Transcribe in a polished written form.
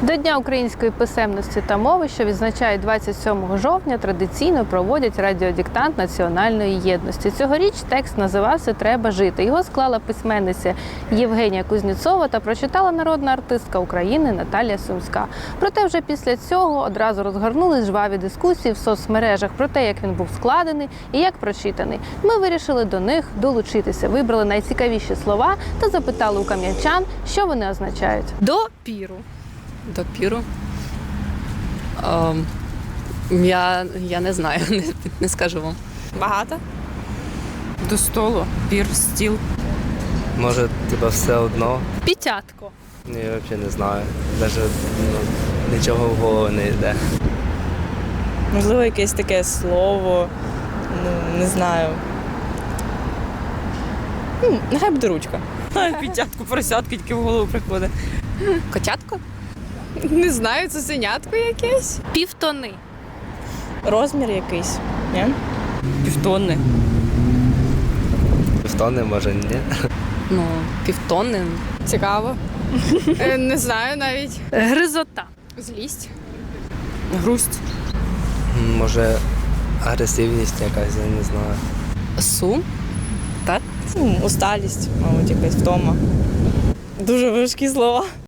До Дня української писемності та мови, що відзначають 27 жовтня, традиційно проводять радіодиктант національної єдності. Цьогоріч текст називався «Треба жити». Його склала письменниця Євгенія Кузнєцова та прочитала народна артистка України Наталія Сумська. Проте вже після цього одразу розгорнулись жваві дискусії в соцмережах про те, як він був складений і як прочитаний. Ми вирішили до них долучитися, вибрали найцікавіші слова та запитали у кам'янчан, що вони означають. Допіру. Допіру? Я не знаю, не скажу вам. Багато. До столу, пір, стіл. Може, все одно. Пітятко. Я взагалі не знаю. Навіть нічого в голову не йде. Можливо, якесь таке слово, не знаю. Нехай буде ручка. П'ятятку, поросятку тільки в голову приходить. Котятко? Не знаю, цуценятко якесь. Півтони. Розмір якийсь, ні? Півтонни. Півтони, може, ні. Півтонни. Цікаво. Не знаю навіть. Гризота. Злість. Грусть. Може, агресивність якась, я не знаю. Сум? Так? Усталість, мабуть, якась втома. Дуже важкі слова.